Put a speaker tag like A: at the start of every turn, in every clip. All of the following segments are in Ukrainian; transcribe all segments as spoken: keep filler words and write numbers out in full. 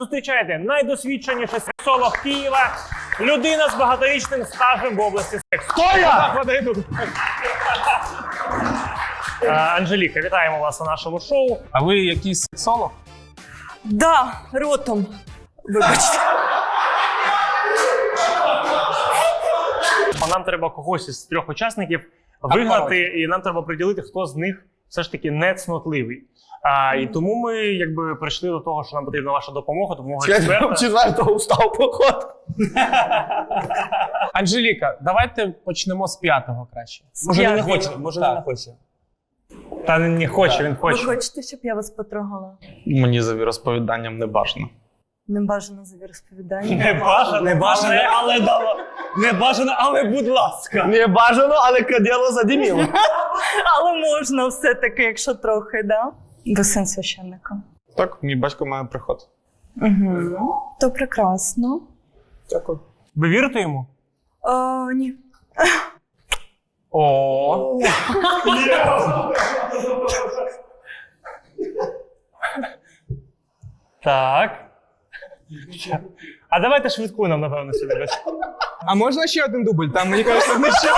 A: Зустрічайте найдосвідченіший сексолог Києва, людина з багаторічним стажем в області сексу.
B: Хто я?
A: Анжеліка, вітаємо вас на нашому шоу.
C: А ви якийсь сексолог?
D: Да, ротом. Вибачте.
A: Нам треба когось із трьох учасників вигнати, і нам треба приділити, хто з них все ж таки не цнотливий. А, і тому ми якби прийшли до того, що нам потрібна ваша допомога, допомога експерта.
B: Четвертого устав поход.
C: Анжеліка, давайте почнемо з п'ятого краще.
B: Може він не
D: П'ятого.
B: хоче, може він не хоче.
A: Та він не хоче, він
D: Ви
A: хоче.
D: хочете, щоб я вас потрогала?
B: Мені за віросповіданням не бажано.
D: Не бажано за віросповідання.
A: Не бажано,
B: Не бажано, але дало. Не бажано, але будь ласка. Не бажано, але каділо задиміло.
D: Але можна все-таки, якщо трохи, да? Ви син священника.
B: Так, мій батько має приход.
D: Угу. То прекрасно.
B: Дякую.
A: Ви вірите йому?
D: О, ні.
C: О,
A: Так. А давайте швидку нам, напевно, сюди.
C: а можна ще один дубль? Там, мені кажеться, не ще.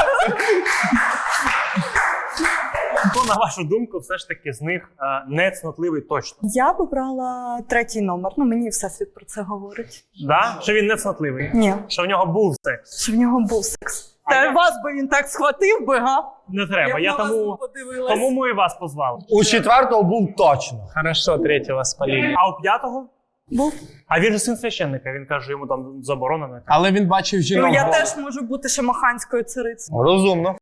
A: Хто, на вашу думку, все ж таки з них а, не цнотливий точно?
D: Я б обрала третій номер. Ну, мені всесвіт про це говорить.
A: Да? Що він не цнотливий?
D: Ні.
A: Що в нього був секс?
D: Що в нього був секс.
A: А
D: Та
A: я-
D: вас би він так схватив би, га?
A: Не треба, я,
D: б на вас
A: тому,
D: не подивилась.
A: тому ми і вас позвали.
B: У четвертого був точно.
C: Хорошо, третього спалили.
A: А у п'ятого?
D: Був.
A: А він же син священника, він каже, йому там заборонено.
C: Але він бачив жінок.
D: Ну, я
C: голих.
D: теж можу бути шамаханською царицею.
B: Розумно.